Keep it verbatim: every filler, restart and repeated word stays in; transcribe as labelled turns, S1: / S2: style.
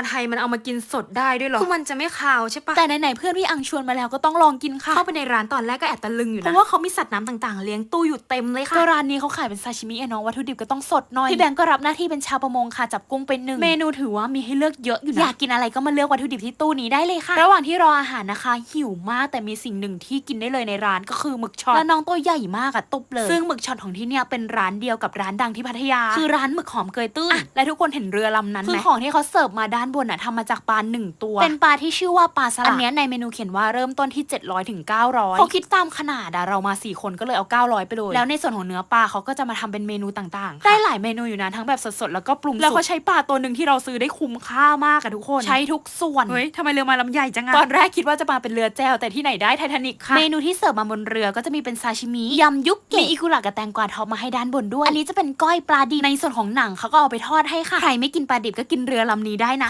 S1: ไทยมันเอามากินสดได้ด้วยหรอคือมันจะไม่คาวใช่ปะ
S2: แต่ไหนๆเพื่อนพี่อังชวนมาแล้วก็ต้องลองกินค่ะ
S1: เข้าไปในร้านตอนแรกก็แอบตะลึงอยู่นะเพราะว่าเขามีสัตว์น้ำต่างๆเลี้ยงตู้อยู่เต็มเลยค่ะ
S2: ก็ร้านนี้เขาขายเป็นซาชิมิไอ้น้องวัตถุดิบก็ต้องสดหน่อยพี่แบงก์ก็รับหน้าที่เป็นชาวประมงค่ะจับกุ้งเป็นหนึ่งเมนูถือว่ามีให้เลือกเยอะอยู่นะอยากกินอะไรก็มาเลือกวัตถุดิบที่ตู้นี้ได้เลยค่ะระหว่างที่รออาหารนะคะหิวมากแต่มีสิ่งหนึ่งที่กินได้เลยในร้านก็คือหมึกช็อตและน้องตัวใหญ่มากอะตุบเลยซึ่งหมึกช็อตของที่เนี่ยเป็นร้านเดียวกับร้านดังที่พัทยาคือร้านหมึกหอมเกยตื้นและทุกคนเห็นเรือลำนั้นไหมคือของที่เขาเสิร์ฟมาด้านบนอะทำมาจากปลาหนึ่งตัวเป็นปลาที่ชื่อว่าปลาสลัดอันนี้ในเมนูเขียนว่าเริ่มต้นที่เจ็ดร้อยถึงเก้าร้อยเขาคิดตามขนาดอะเรามาสี่คนก็เลยเอาเก้าร้อยไปเลยแล้วในส่วนของเนื้อปลาเขาก็จะมาทำเป็นเมนูต่างๆได้หลายเมนูอยู่นะทั้งแบบสดๆแล้วก็ปรุงแล้วเขาใช้ปลาตัวหนึ่งที่เราซื้อได้คุ้มค่ามากอะทุกคนใช้ทุกส่วน
S1: เฮ้ยทำไมเรือมาลำใหญ่จังอะ
S2: ตอนแรกคิดว่าจะมาเป็นเรือแจวแต่ที่ไหนได้ไททานิคค่ะเมนูที่เสิร์ฟมาบนเรือก็จะมีเป็นซาชิมิยำยุกเกะมีอิกุระกับแตงกวาท็อปมาให้ด้านบนด้วยอันนี้จะเป็นก้อยปลาดิบในส่วนของหนังเขาก็เอาไปทอดให้ค่ะใครไม่กินปลาดิบก็กินเรือลำนี้ได้นะ